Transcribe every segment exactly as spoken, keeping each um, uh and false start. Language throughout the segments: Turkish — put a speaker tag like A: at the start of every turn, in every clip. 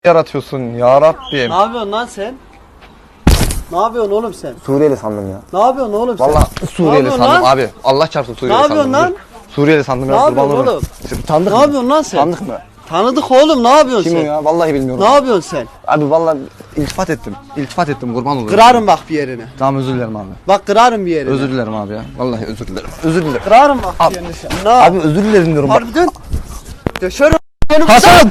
A: yaratıyorsun ya Rabbim.
B: Ne yapıyorsun lan sen? Ne yapıyorsun oğlum sen?
A: Suriyeli sandım ya.
B: Ne yapıyorsun oğlum sen?
A: Vallahi Suriyeli sandım
B: lan?
A: abi. Allah çarpsın Suriyeli
B: Ne
A: sandım.
B: yapıyorsun lan?
A: Suriyeli sandım
B: Ne
A: ya.
B: yapıyorsun
A: kurban olurum.
B: oğlum?
A: Tanıdık
B: Ne
A: mı?
B: yapıyorsun lan sen?
A: Tanıdık mı?
B: Tanıdık oğlum, ne yapıyorsun
A: Kim o
B: sen?
A: ya? Vallahi bilmiyorum.
B: Ne yapıyorsun sen?
A: Abi vallahi iltifat ettim. İltifat ettim kurban olurum.
B: Kırarım bak bir yerini.
A: Tamam özür dilerim abi.
B: Bak kırarım bir yerini.
A: Özür dilerim abi ya. Vallahi özür dilerim. Özür dilerim.
B: Kırarım bak
A: Abi,
B: bir yerini sen. Ne?
A: abi özür dilerim diyorum bak.
B: Harbiden. Döşerim.
A: Hasan!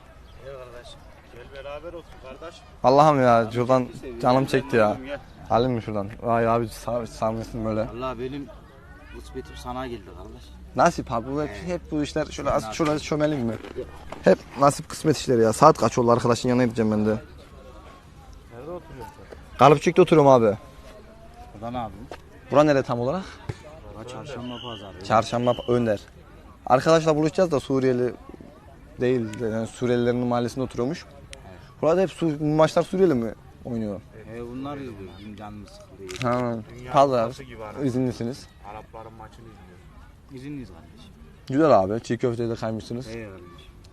C: Gel beraber olsun kardeş.
A: Allah'ım ya şuradan canım çekti ya. Alayım mı şuradan? Vay abi sağ sarmışsın böyle.
C: Allah benim kısmetim sana geldi kardeş.
A: Nasip abi bu hep, hep bu işler şöyle az şöyle çömelim mi? Hep nasip kısmet işleri ya. Saat kaç oldu arkadaşın yanına gideceğim ben de.
C: Nerede oturuyorsun sen?
A: Kalıpçık'ta oturuyorum abi.
C: Burada ne yapıyorsun?
A: Bura nere tam olarak?
C: Burada çarşamba pazarı.
A: Çarşamba Önder. Arkadaşlar buluşacağız da Suriyeli değil yani Suriyelilerin mahallesinde oturuyormuş. Burada hep Su maçlar Suriyeli mi oynuyor?
C: E bunlar izliyor. Bizim canımız sıkılıyor.
A: Ha.
C: Dünya
A: Pazar.
C: Kupası gibi arada.
A: İzinlisiniz.
C: Arapların maçını izliyoruz. İzinliyiz kardeş.
A: Güzel abi. Çiğ köfteyi de kaymışsınız.
C: Hey kardeş.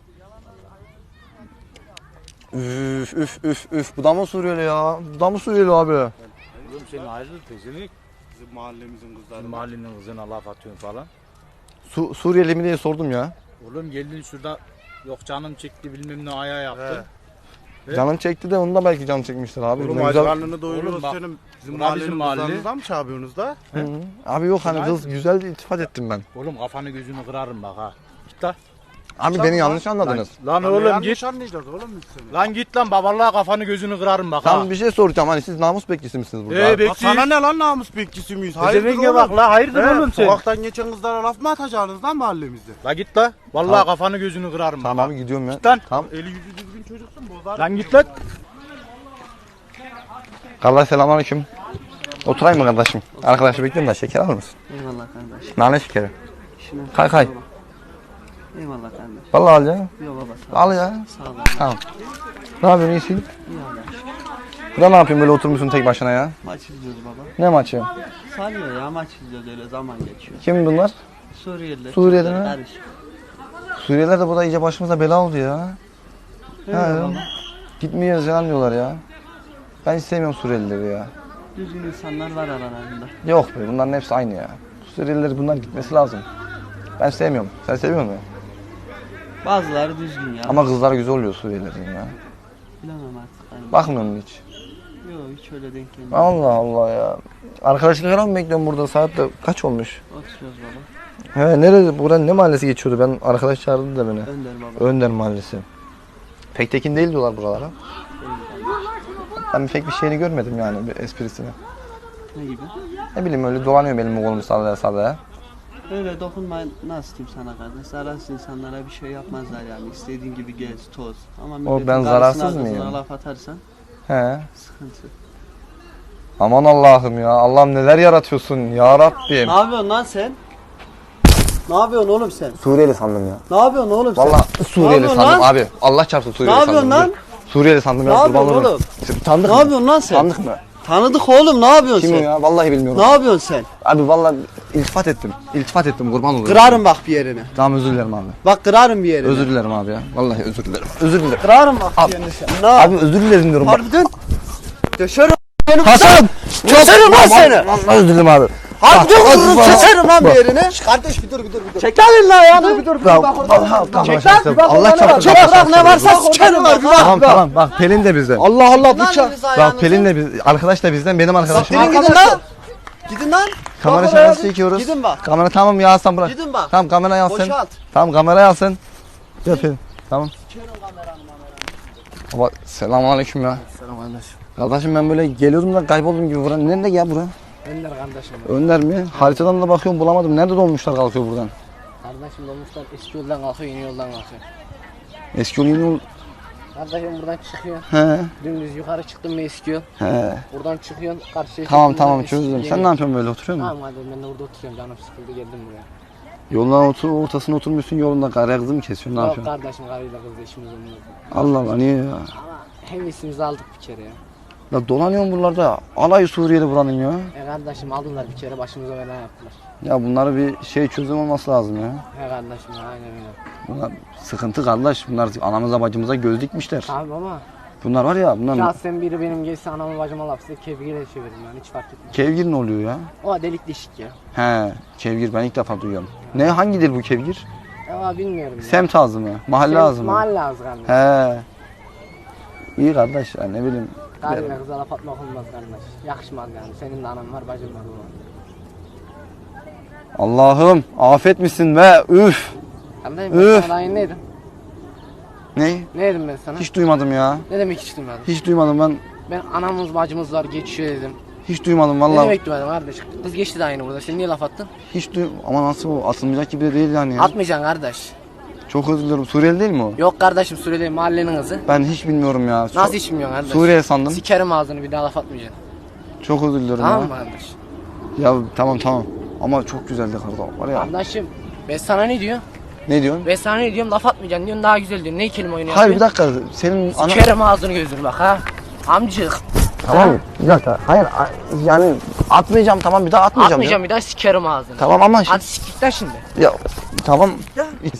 A: Üf üf üf üf. Bu da mı Suriyeli ya? Bu da mı Suriyeli abi?
C: Oğlum senin ayrıldın pezenik. Bizim mahallemizin kızları. Bizim mahallenin kızına laf atıyorsun falan.
A: Su Suriyeli mi diye sordum ya.
C: Oğlum geldin şurada yok canım çekti bilmem ne ayağı yaptın. Evet.
A: Canım çekti de onu da belki canım çekmiştir abi.
D: Oğlum
A: Ne
D: aç
A: güzel-
D: karnını doyuruyoruz
C: Oğlum bak,
D: senin. Bizim
C: bura bizim
D: mahallenin
C: mahalle.
D: kızlarınızdan mı çağırıyorsunuz da?
A: Hı -hı. Abi yok hani kız güzel iltifat ettim ben.
C: Oğlum kafanı gözünü kırarım bak ha. Git lan.
A: Abi beni yanlış anladınız.
C: Lan
D: Lan
C: oğlum
D: yanlış
C: git.
D: anlayacağız oğlum biz seni.
C: Lan git lan babalığa kafanı gözünü kırarım bak ha.
A: Tam bir şey soracağım hani siz namus bekçisi misiniz burada?
C: Ee,
A: abi?
C: be-
D: Bak sana ne lan namus bekçisi miyiz?
C: Hayırdır
D: Hayırdır
C: oğlum? Bak la hayırdır
D: He,
C: oğlum sen.
D: Sokaktan geçen kızlara laf mı atacaksınız lan mahallemizde?
C: La git la. Vallahi
A: Tamam.
C: kafanı gözünü kırarım.
A: Tamam abi gidiyorum ya.
C: Git lan.
A: Tamam.
D: Eli yüzü düzgün çocuksun bozar.
C: Lan git lan.
A: Kardeş selamünaleyküm. Oturayım mı kardeşim? Arkadaşı bekliyorum da şeker alır mısın?
B: Eyvallah kardeş.
A: Nane şekeri.
B: Şunu
A: Kay kay.
B: Eyvallah kardeş.
A: Vallahi al ya.
B: Yok baba sağ ol.
A: Al ya.
B: Sağ ol.
A: Tamam. Ne yapıyorsun iyisin?
B: İyi Allah.
A: Burada ne yapıyorsun böyle oturmuşsun tek başına ya?
B: Maç izliyoruz baba.
A: Ne maçı?
B: Sarıyor ya, maç izliyoruz, öyle zaman geçiyor.
A: Kim bunlar?
B: Suriyeliler.
A: Suriyeli mi?
B: Karışık.
A: Suriyeliler de burada iyice başımıza bela oldu ya.
B: Öyle
A: He.
B: baba.
A: Gitmiyoruz falan diyorlar ya. Ben hiç sevmiyorum Suriyelileri ya.
B: Düzgün insanlar var aralarında.
A: Yok be bunların hepsi aynı ya. Suriyeliler bunlar gitmesi lazım. Ben sevmiyorum. Sen seviyor musun?
B: Bazıları düzgün ya.
A: Ama kızlar güzel oluyor Suriyelilerin ya.
B: Bilemem artık. Yani.
A: Bakmıyor musun hiç?
B: Yok hiç öyle denk gelmiyor.
A: Allah Allah ya. Arkadaşlık falan mı bekliyorum burada? Saat de kaç olmuş?
B: Oturuyoruz baba.
A: He nerede? Buradan ne mahallesi geçiyordu? Ben arkadaş çağırdı da beni.
B: Önder baba.
A: Önder mahallesi. Pek tekin değil diyorlar buralara. Ben pek bir şeyini görmedim yani bir esprisini.
B: Ne gibi?
A: Ne bileyim öyle dolanıyor benim kolumu sallaya sallaya.
B: Öyle dokunma, nasıl diyeyim sana kardeş? Zararsız insanlara bir şey yapmazlar yani. İstediğin gibi gez, toz. Ama milletin
A: ben
B: karşısına,
A: zararsız
B: kızına
A: mıyım?
B: laf atarsan
A: He.
B: sıkıntı.
A: Aman Allah'ım ya. Allah'ım neler yaratıyorsun ya Rabbim.
B: Ne yapıyorsun lan sen? Ne yapıyorsun oğlum sen?
A: Suriyeli sandım ya.
B: Ne yapıyorsun oğlum sen?
A: Vallahi
B: Ne
A: Suriyeli
B: yapıyorsun
A: sandım
B: lan?
A: abi. Allah çarpsın Suriyeli
B: Ne
A: sandım.
B: yapıyorsun lan?
A: Dur. Suriyeli sandım
B: Ne
A: ya.
B: yapıyorsun
A: kurban olurum.
B: oğlum?
A: Tanıdık
B: Ne
A: mı?
B: yapıyorsun lan sen?
A: Tanıdık mı?
B: Tanıdık oğlum, ne yapıyorsun
A: Kim o
B: sen?
A: ya? Vallahi bilmiyorum.
B: Ne yapıyorsun sen?
A: Abi vallahi iltifat ettim. İltifat ettim kurban olurum.
B: Kırarım bak bir yerini.
A: Tamam özür dilerim abi.
B: Bak kırarım bir yerini.
A: Özür dilerim abi ya. Vallahi özür dilerim. Özür dilerim.
B: Kırarım bak
A: Abi-
B: bir yerini sen. Ne?
A: Abi özür dilerim diyorum. bak.
B: Harbiden. Döşerim.
A: Hasan!
B: Keserim lan seni.
A: Vallahi özür dilerim abi.
B: Harbiden
A: Bak,
B: vururum,
A: bak,
B: keserim lan bir
A: bak.
B: yerini. Kardeş bir dur bir dur bir dur. Çek lan elini ayağını. Bir dur bir dur.
A: Ya,
B: Bak orada.
A: vallahi tamam,
B: Çek
A: tamam,
B: lan bir bak.
A: Allah
B: Allah
A: çarpsın.
B: çarpsın. Çek bırak ne varsa sikerim bak.
A: Tamam tamam bak Pelin de bizden.
B: Allah Allah bıçak.
A: Bak Pelin de biz, arkadaş da bizden, benim arkadaşım.
B: Gidin gidin lan. Gidin lan.
A: Kamera
B: Bak
A: şakası
B: oraya.
A: çekiyoruz.
B: Gidin bak.
A: Kamera tamam ya Hasan bırak.
B: Gidin bak.
A: Tamam kamerayı al sen.
B: Boşalt.
A: Tamam kamerayı al sen. Gel Pelin. Tamam. Baba selamünaleyküm ya.
B: Selam kardeşim.
A: Kardeşim ben böyle geliyordum da kayboldum gibi buranın. Nerede ya bura?
E: Önder kardeşim.
A: Önder mi? Haritadan da bakıyorum bulamadım. Nerede dolmuşlar kalkıyor buradan?
E: Kardeşim dolmuşlar eski yoldan kalkıyor, yeni yoldan kalkıyor.
A: Eski yol yeni yol.
E: Kardeşim buradan çıkıyor.
A: He.
E: Dümdüz yukarı çıktın mı eski yol.
A: He.
E: Buradan çıkıyorsun karşıya.
A: Tamam
E: çıktın mı
A: tamam
E: eski,
A: çözdüm.
E: yeni
A: Sen ne
E: yol.
A: yapıyorsun böyle oturuyor musun?
E: Tamam kardeşim ben de burada oturuyorum, canım sıkıldı geldim buraya.
A: Yoldan otur, ortasına oturmuşsun yolunda karaya kızı mı kesiyorsun? Ne
E: Yok
A: yapıyorsun?
E: kardeşim karıyla kızla işimiz olmuyor.
A: Allah Allah niye ya?
E: Ama hem isimizi aldık bir kere ya.
A: Ya dolanıyorum buralarda. Alay Suriyeli buranın ya.
E: E kardeşim aldılar bir kere başımıza bela yaptılar.
A: Ya bunları bir şey çözüm olması lazım ya.
E: He kardeşim ya, aynen öyle.
A: Bunlar sıkıntı kardeş. Bunlar anamıza bacımıza göz dikmişler.
E: Abi baba.
A: Bunlar var ya bunlar
E: Şahsen biri benim gelse anamı bacıma laf size kevgire çevirdim yani hiç fark etmez.
A: kevgir ne oluyor ya?
E: O delik deşik ya.
A: He, kevgir ben ilk defa duyuyorum. Ne hangidir bu kevgir?
E: Ya bilmiyorum ya.
A: Semt ağzı mı? Mahalle
E: Semt,
A: ağzı mı?
E: Mahalle ağzı kardeş.
A: He. İyi kardeş ya ne bileyim.
E: Kardeşine kıza laf atmak olmaz kardeş. Yakışmaz yani. Senin de anan var bacın var baba.
A: Allah'ım afet misin be üf.
E: Kardeşim ben
A: Üf.
E: sana daha yeni neydim?
A: Ne?
E: Ne dedim ben sana?
A: Hiç duymadım ya.
E: Ne demek hiç duymadın?
A: Hiç duymadım ben.
E: Ben anamız bacımız var geçiyor dedim.
A: Hiç duymadım
E: Ne
A: vallahi.
E: demek duymadın kardeş? Kız geçti daha yeni burada. Sen niye laf attın?
A: Hiç duy ama nasıl bu atılmayacak gibi de değil yani ya.
E: Atmayacaksın kardeş.
A: Çok özür dilerim. Suriyeli değil mi o?
E: Yok kardeşim Suriyeli mahallenin kızı.
A: Ben hiç bilmiyorum ya. Çok-
E: Nasıl hiç bilmiyorsun kardeş?
A: Suriye sandım.
E: Sikerim ağzını bir daha laf atmayacaksın.
A: Çok özür dilerim
E: Tamam
A: ya.
E: mı kardeş?
A: Ya tamam tamam. Ama çok güzeldi kardeşim var ya.
E: Kardeşim ben sana ne diyorum?
A: Ne diyorsun?
E: Ben sana ne diyorum? Laf atmayacaksın diyorsun daha güzel diyorsun. Ne kelime oyunu
A: Hayır bir
E: yapıyorsun?
A: dakika. Senin ana...
E: Sikerim ağzını gözünü bak ha. Amcık.
A: Tamam bir dakika. Hayır a- yani atmayacağım tamam bir daha atmayacağım.
E: Atmayacağım
A: ya.
E: bir daha sikerim ağzını.
A: Tamam ama
E: Hadi siktir şimdi.
A: ya tamam.